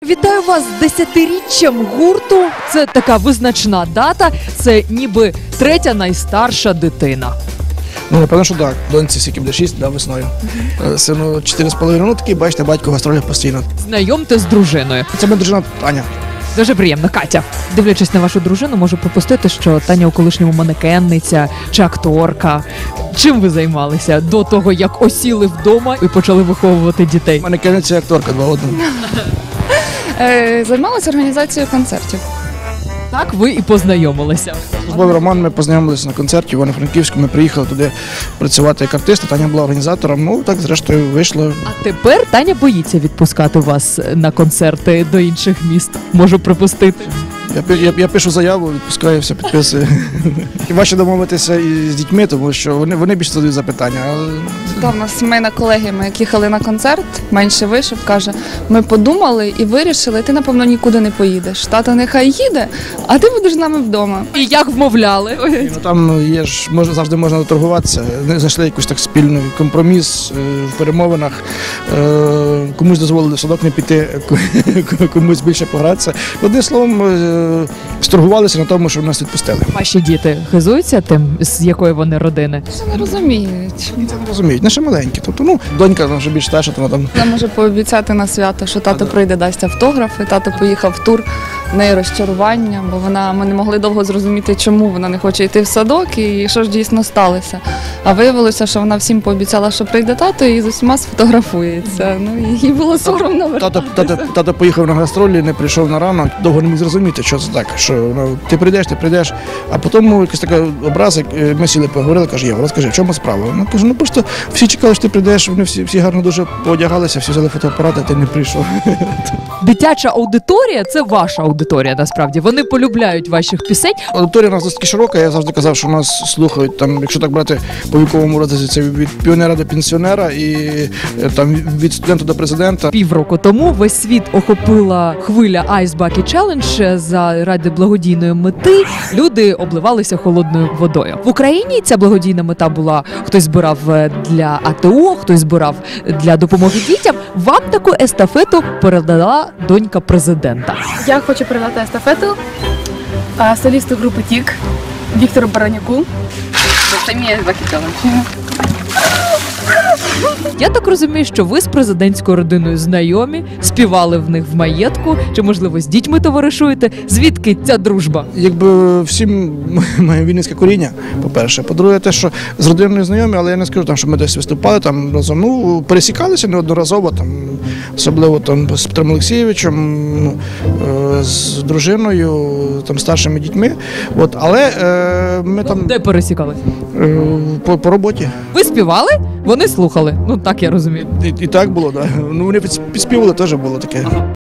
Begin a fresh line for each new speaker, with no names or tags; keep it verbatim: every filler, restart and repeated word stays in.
Вітаю вас з десятиріччям гурту. Це така визначна дата. Це ніби третя найстарша дитина.
Ну, напевно, що так. Доньці скільки буде шість, да, весною. Uh-huh. Сину чотири з половиною. Ну, такий, бачите, батько гастролях постійно.
Знайомте з дружиною.
Це моя дружина Таня.
Дуже приємно, Катя. Дивлячись на вашу дружину, можу припустити, що Таня у колишньому манекенниця чи акторка. Чим ви займалися до того, як осіли вдома і почали виховувати дітей?
Манекенниця і акторка, два в одному.
Займалася організацією концертів.
Так ви і познайомилися.
Службовий роман, ми познайомилися на концерті в Івано-Франківську, ми приїхали туди працювати як артисти, Таня була організатором, ну так зрештою вийшло.
А тепер Таня боїться відпускати вас на концерти до інших міст, можу припустити.
Я, я, я пишу заяву, відпускаю, все підписую. Важче домовитися і з дітьми, тому що вони, вони більше задають запитання. Але...
Та, в нас сімейна колегія, ми як їхали на концерт, менше вийшов, каже, ми подумали і вирішили, ти, напевно, нікуди не поїдеш. Тато нехай їде, а ти будеш з нами вдома.
І як вмовляли?
І, ну, там є ж, може, завжди можна доторгуватися, знайшли якийсь так спільний компроміс е, в перемовинах, е, комусь дозволили в садок не піти, комусь більше погратися. Одним словом, е, сторгувалися на тому, що нас відпустили.
Ваші діти хизуються тим, з якої вони родини?
Це не розуміють.
Це не розуміють, не ще маленькі. Тобто, ну, донька вже більш старша, то вона там...
Вона може пообіцяти на свято, що тато прийде, дасть автографи, тато поїхав в тур, в неї розчарування, бо вона, ми не могли довго зрозуміти, чому вона не хоче йти в садок і що ж дійсно сталося. А виявилося, що вона всім пообіцяла, що прийде тато і з усіма сфотографується. Ну, і їй було соромно
Тато,
вертатися.
тато, тато поїхав на гастролі, не прийшов на ранок, довго не міг зрозуміти, що це так, що ну, ти прийдеш, ти прийдеш, а потім якийсь такий образ, ми сіли, поговорили, каже, Єва, розкажи, в чому справа? Вона каже, ну просто всі чекали, що ти прийдеш, вони всі, всі гарно дуже поодягалися, всі взяли фотоапарати, а ти не прийшов.
Дитяча аудиторія – це ваша аудиторія, насправді. Вони полюбляють ваших пісень.
Аудиторія у нас досить широка, я завжди казав, що нас слухають, там, якщо так брати по віковому розрізі, це від піонера до пенсіонера і там, від студента до президента.
Півроку тому весь світ охопила хвиля Ice Bucket Challenge заради благодійної мети. Люди обливалися холодною водою. В Україні ця благодійна мета була, хтось збирав для АТО, хтось збирав для допомоги дітям. Вам таку естафету передала донька президента.
Я хочу передати естафету а, солісту групи Тік Віктору Баранюку. Це мій Ice Bucket Challenge.
Я так розумію, що ви з президентською родиною знайомі, співали в них в маєтку, чи, можливо, з дітьми товаришуєте. Звідки ця дружба?
Якби всім має вінницьке коріння, по-перше. По-друге, те, що з родиною знайомі, але я не скажу, там, що ми десь виступали там разом. Ну, пересікалися неодноразово, там, особливо там, з Петром Олексійовичем, е, з дружиною, там, старшими дітьми. От, але е, ми там...
Де пересікалися?
Е, по, по роботі.
Ви співали, вони слухали. Ну, так я розумію.
І, і так було, так. Да. Ну, вони підспівали, теж було таке.